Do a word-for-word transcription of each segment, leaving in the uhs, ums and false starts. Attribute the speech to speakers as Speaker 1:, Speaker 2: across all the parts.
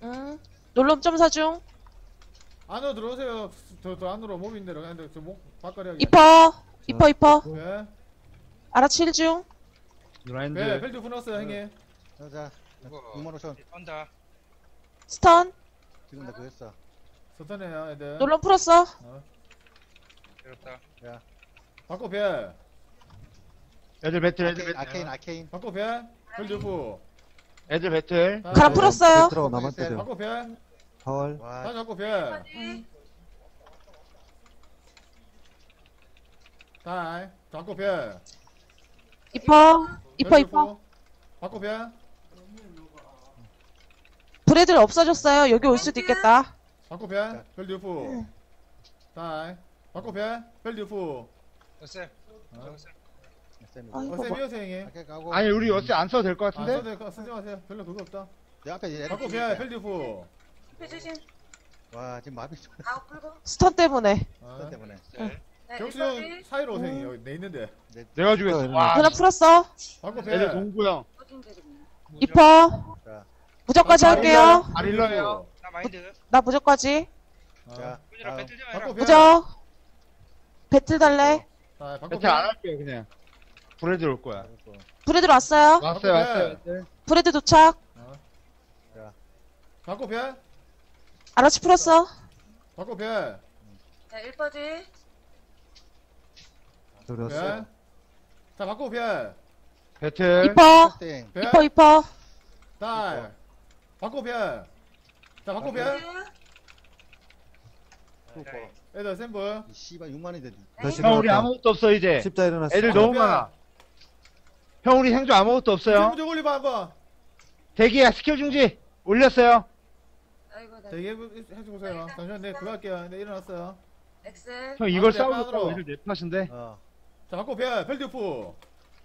Speaker 1: 응. 놀럼 점사 중.
Speaker 2: 안으로 들어오세요. 저, 저 안으로 몸인 대로. 근데 저목 바깥에 하기.
Speaker 1: 이퍼. 이퍼 이퍼.
Speaker 2: 배.
Speaker 1: 알아칠 중.
Speaker 3: 라인드.
Speaker 2: 배. 벨트 끊었어요 형님.
Speaker 4: 자,
Speaker 5: 이거
Speaker 4: 육만 오천.
Speaker 5: 온다.
Speaker 1: 스턴.
Speaker 4: 지금 나 그거 했어.
Speaker 2: 서턴해요 애들.
Speaker 1: 놀럼 풀었어.
Speaker 2: 어.
Speaker 5: 들었다.
Speaker 4: 야,
Speaker 2: 바꿔 배.
Speaker 3: 애들 배틀, 애들
Speaker 4: 아케인,
Speaker 3: 배틀.
Speaker 4: 아케인, 아케인.
Speaker 2: 바꿔 배. 벨트 후.
Speaker 3: 애들 배틀.
Speaker 1: 가라 풀었어요.
Speaker 6: 들어가 남았대요.
Speaker 2: 바꿔 배.
Speaker 6: 파월.
Speaker 4: 와,
Speaker 2: 다시 바꿔 배.
Speaker 1: 응.
Speaker 2: 다이. 바꿔 배.
Speaker 1: 이퍼. 이퍼 이퍼.
Speaker 2: 바꿔 배.
Speaker 1: 브레들 없어졌어요. 여기 올 수도 있겠다.
Speaker 2: 바꿔 배. 벨트 후. 다이. 바꿔 배. 벨트 후.
Speaker 5: 어쌤.
Speaker 2: 어.
Speaker 4: 쌤이.
Speaker 1: 아이고,
Speaker 2: 어쌤
Speaker 1: 뭐.
Speaker 2: 이어서 형님.
Speaker 4: 아케인 가고.
Speaker 3: 아니, 우리 어째 안 써도 될 것
Speaker 2: 아,
Speaker 3: 같은데?
Speaker 2: 써도 될거 쓰지 마세요. 별로 그거 없다.
Speaker 4: 내 앞에 얘.
Speaker 2: 바꿔 배. 벨트 후.
Speaker 7: 조심.
Speaker 4: 와, 지금 마비 좀
Speaker 7: 아웃 풀고.
Speaker 1: 스턴 때문에.
Speaker 2: 어.
Speaker 4: 때문에.
Speaker 7: 네,
Speaker 2: 경수
Speaker 7: 일까지.
Speaker 2: 형 사이로 오세요. 여기 내 있는데.
Speaker 3: 내가 죽였어. 와.
Speaker 1: 하나 풀었어.
Speaker 2: 바꿔 배.
Speaker 3: 애들 동구 형.
Speaker 7: 어딘 데리구나.
Speaker 1: 이퍼.
Speaker 4: 자,
Speaker 1: 무적까지 할게요.
Speaker 3: 아릴러예요.
Speaker 5: 나 마인드.
Speaker 1: 나 무적까지.
Speaker 4: 자.
Speaker 5: 꾸지라
Speaker 4: 아,
Speaker 5: 배틀 좀 해라.
Speaker 2: 바꿔 배.
Speaker 1: 무적. 배틀 달래.
Speaker 2: 자, 바꿔
Speaker 3: 배틀 안 할게요, 그냥. 브레드 올 거야.
Speaker 1: 브레들 왔어요.
Speaker 3: 왔어요, 왔어요.
Speaker 1: 브레드 도착.
Speaker 2: 바꿔 배.
Speaker 1: 알아치 풀었어.
Speaker 2: 바꿔 배.
Speaker 7: 자, 일퍼지.
Speaker 6: 들었어.
Speaker 2: 배. 자, 바꿔 배.
Speaker 3: 배틀.
Speaker 1: 이퍼.
Speaker 4: 땡.
Speaker 2: 배.
Speaker 1: 이퍼 이퍼.
Speaker 2: 딸. 바꿔 배. 자, 바꿔 배.
Speaker 4: 네.
Speaker 2: 애들 샘플.
Speaker 4: 이 씨발 육만인데.
Speaker 6: 다시
Speaker 3: 형, 우리
Speaker 6: 일어났다.
Speaker 3: 아무것도 없어, 이제.
Speaker 6: 십자 일어났어.
Speaker 3: 애들
Speaker 2: 바꿔
Speaker 3: 너무
Speaker 2: 배.
Speaker 3: 많아. 형, 우리 생존 아무것도 없어요.
Speaker 2: 샘플 좀 올리봐 한번.
Speaker 3: 대기야, 스킬 중지. 올렸어요.
Speaker 7: 아이고, 나.
Speaker 2: 대기 해주세요. 잠시만 내 그거 할게요. 내 일어났어요.
Speaker 7: 엑셀.
Speaker 3: 형, 이걸
Speaker 2: 아,
Speaker 3: 싸우고
Speaker 2: 네,
Speaker 3: 애들 내 탓인데.
Speaker 4: 어,
Speaker 2: 자, 바꿔 배. 벨트 프.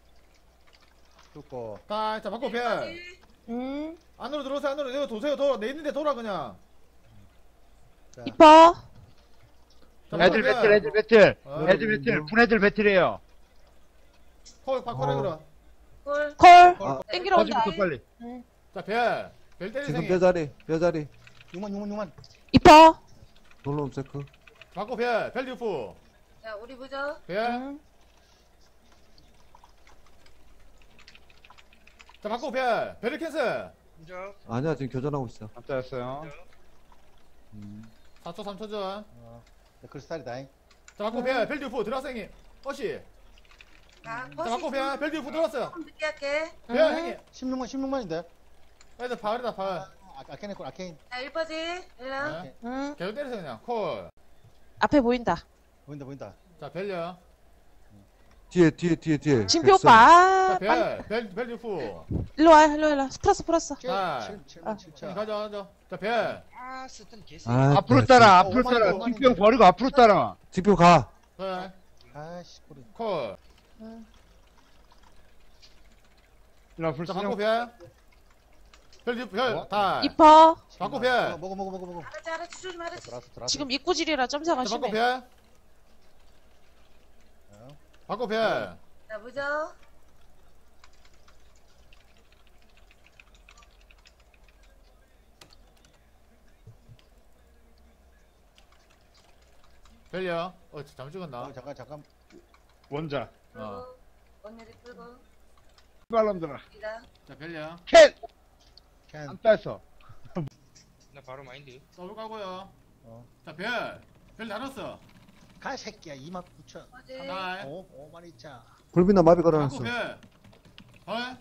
Speaker 4: 죽고.
Speaker 2: 딸. 자, 바꿔 배.
Speaker 7: 일퍼지.
Speaker 1: 음.
Speaker 2: 안으로 들어오세요. 안으로. 내가 도세요. 돌아. 내 있는데 돌아 그냥.
Speaker 4: 자,
Speaker 1: 이퍼.
Speaker 2: 자,
Speaker 3: 애들
Speaker 2: 바꿔
Speaker 3: 배틀,
Speaker 2: 배.
Speaker 3: 애들 배틀.
Speaker 2: 어.
Speaker 3: 애들 배틀. 분애들 배틀이에요.
Speaker 2: 콜 바꿔라
Speaker 6: 어.
Speaker 2: 그럼.
Speaker 7: 콜.
Speaker 1: 콜.
Speaker 6: 아,
Speaker 1: 땡기러 온다.
Speaker 3: 터지부터 빨리.
Speaker 2: 자, 배. 벨 때리
Speaker 6: 지금
Speaker 2: 생이.
Speaker 6: 뼈자리. 뼈자리.
Speaker 4: 육만, 육만, 육만.
Speaker 1: 이퍼.
Speaker 6: 놀럼 세크.
Speaker 2: 바꿔 배. 벨트 프.
Speaker 7: 자, 우리 부적.
Speaker 2: 배.
Speaker 1: 음.
Speaker 2: 자, 바꿔 배. 배를 캔슬.
Speaker 5: 무적.
Speaker 6: 아니야, 지금 교전하고 있어.
Speaker 3: 안 따였어요.
Speaker 2: 사 초 삼 초 전.
Speaker 4: 어, 크리스탈이다.
Speaker 2: 자, 바꿔 배. 벨트 프. 들어왔어 형님. 어시.
Speaker 7: 자,
Speaker 2: 자, 바꿔 배. 벨트 프 들어왔어요.
Speaker 7: 조금 늦게 할게.
Speaker 2: 배 형님.
Speaker 4: 십육만, 십육만인데.
Speaker 2: 애들 바울이다 바울.
Speaker 4: 아, 아케인 했고, 아케인.
Speaker 7: 자, 일퍼지. 일랑.
Speaker 2: 네.
Speaker 1: 음.
Speaker 2: 계속 때리세요 그냥. 콜.
Speaker 1: 앞에 보인다.
Speaker 4: 보인다, 보인다.
Speaker 2: 자, 벨려.
Speaker 6: 뒤에, 뒤에, 뒤에, 뒤에.
Speaker 1: 진표
Speaker 6: 백선.
Speaker 1: 오빠.
Speaker 2: 자,
Speaker 1: 아, 빨리.
Speaker 2: 벨. 벨. 벨트 프.
Speaker 1: 일로 와, 일로 와, 일로 와. 풀었어, 풀었어.
Speaker 2: 아.
Speaker 4: 칠만
Speaker 2: 형님
Speaker 4: 칠천.
Speaker 2: 가자 가자. 자, 벨.
Speaker 5: 아, 쓰던 개새.
Speaker 6: 아,
Speaker 3: 앞으로
Speaker 6: 네,
Speaker 3: 따라,
Speaker 4: 어,
Speaker 3: 앞으로
Speaker 4: 오만이
Speaker 3: 따라.
Speaker 4: 오만인데.
Speaker 3: 뒷병 버리고 앞으로 따라.
Speaker 6: 진표 가.
Speaker 2: 벨.
Speaker 4: 아씨, 꼬리.
Speaker 2: 콜.
Speaker 3: 일로
Speaker 2: 자,
Speaker 3: 불쌍.
Speaker 2: 바꿔 배. 벨트 별.
Speaker 3: 어?
Speaker 2: 다.
Speaker 1: 이퍼.
Speaker 2: 바꿔 배.
Speaker 4: 어, 먹어, 먹어, 먹어, 먹어.
Speaker 7: 알았지, 알았지. 조심, 알았지.
Speaker 4: 들어왔어, 들어왔어.
Speaker 1: 지금 입구질이라 점사가
Speaker 2: 자, 바꿔
Speaker 1: 심해.
Speaker 2: 배.
Speaker 4: 어.
Speaker 2: 바꿔 배.
Speaker 7: 자, 무적.
Speaker 2: 벨려. 어, 잘못 찍었나?
Speaker 4: 어, 잠깐, 잠깐.
Speaker 3: 원자.
Speaker 2: 어.
Speaker 7: 언니들 풀고.
Speaker 3: 빨람들아.
Speaker 7: 이다.
Speaker 2: 자, 벨려.
Speaker 3: 캔!
Speaker 4: 캔.
Speaker 3: 안 땄어.
Speaker 5: 나 바로 마인드.
Speaker 2: 더블 까고요.
Speaker 4: 어.
Speaker 2: 자, 벨. 벨 나눴어.
Speaker 4: 가, 새끼야. 이만 구천.
Speaker 7: 어제.
Speaker 2: 하나.
Speaker 4: 오, 오만 이자.
Speaker 6: 불빛나 마비
Speaker 2: 바꿔
Speaker 6: 걸어놨어.
Speaker 2: 벨. 헐.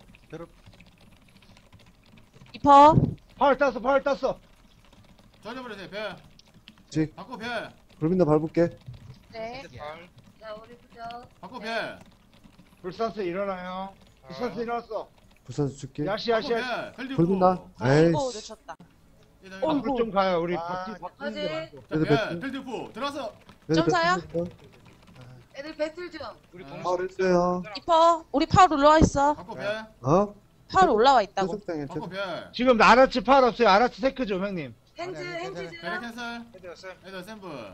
Speaker 1: 이퍼.
Speaker 3: 파울 땄어, 파울 땄어.
Speaker 2: 져져버리세요, 벨.
Speaker 6: 지.
Speaker 2: 바꿔 벨.
Speaker 6: 불빛나 밟을게.
Speaker 7: 네.
Speaker 5: 발.
Speaker 7: 자, 우리 부적.
Speaker 2: 바꿔
Speaker 7: 네.
Speaker 2: 벨.
Speaker 3: 불산스 일어나요. 불산스 일어났어.
Speaker 6: 부산 줄게.
Speaker 3: 야시, 야시, 야시.
Speaker 2: 바꿔 벨. 벨
Speaker 6: 불빛나.
Speaker 2: 프.
Speaker 6: 에이.
Speaker 1: 어, 놓쳤다.
Speaker 3: 앞으로 좀 가요. 우리
Speaker 4: 아,
Speaker 3: 바퀴 바뀌는 게
Speaker 7: 어제.
Speaker 3: 많고.
Speaker 2: 자,
Speaker 6: 애들
Speaker 2: 벨.
Speaker 6: 벨트.
Speaker 2: 벨 프. 들어왔어.
Speaker 1: 점사야?
Speaker 7: 애들 배틀 중.
Speaker 5: 우리
Speaker 2: 아.
Speaker 5: 동수.
Speaker 6: 파울 했어요.
Speaker 1: 이퍼. 우리 파울 올라와 있어.
Speaker 2: 바꿔 벨.
Speaker 6: 어?
Speaker 1: 파울 올라와 있다고.
Speaker 6: 소속당해.
Speaker 2: 바꿔 벨.
Speaker 3: 지금 아라치 파울 없어요. 아라치 세크 좀, 형님.
Speaker 7: 핸즈,
Speaker 4: 아니, 아니,
Speaker 7: 핸즈
Speaker 4: 괜찮아.
Speaker 7: 중.
Speaker 2: 벨 캔슬.
Speaker 5: 헤드 어쌤.
Speaker 2: 애들 샘플.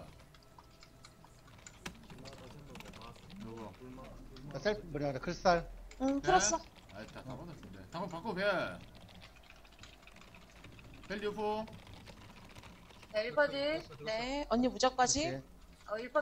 Speaker 2: 누구?
Speaker 4: 자, 셀프, 뭐냐, 크리스탈.
Speaker 1: 응, 풀었어.
Speaker 2: 아, 다, 다 받았는데. 한번 바꿔 벨. 벨 리프.
Speaker 7: 네, 일퍼지.
Speaker 5: 들었어, 들었어.
Speaker 1: 네. 언니 무적까지.
Speaker 4: 오케이.
Speaker 7: 어, 일퍼